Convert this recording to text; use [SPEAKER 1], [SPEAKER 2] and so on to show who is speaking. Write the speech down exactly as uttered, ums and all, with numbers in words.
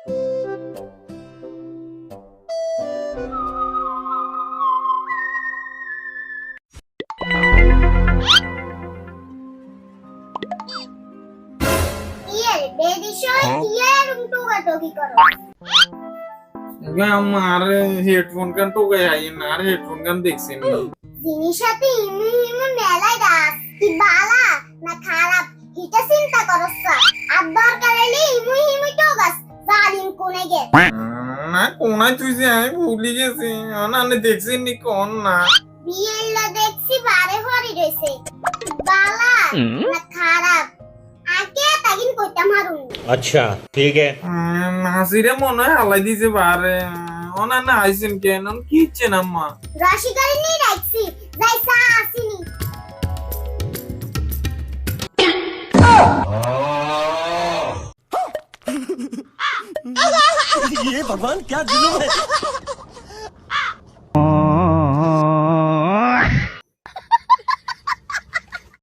[SPEAKER 1] আমার হেডফোন গান তো গাই না, আর হেডফোন গান দেখছেন নি
[SPEAKER 2] জিনিসটাতে ইমু ইমু মেলাই দাস কি বালা না খারাপ এটা চিন্তা করছ আর দরকার হলে ইমু ইমু তো গাস জালিম কোনে গে
[SPEAKER 1] না কোনায় তুই যে আমি ভুলি গেছি না না দেখছেন নি কোন না
[SPEAKER 2] বিয়েলা দেখছি বারে হরি রইছে বালা না খারাপ আগে তাগিন কইতা মারুন।
[SPEAKER 3] अच्छा ठीक है
[SPEAKER 1] নাসিরে মনে হয় হালাই দিছে বারে ওনা না আইছেন কেন কি ইচ্ছেন আম্মা
[SPEAKER 2] রাশিকারি নি রাখছি যাইসা আসিনি
[SPEAKER 3] ये भगवान क्या जुलूम है।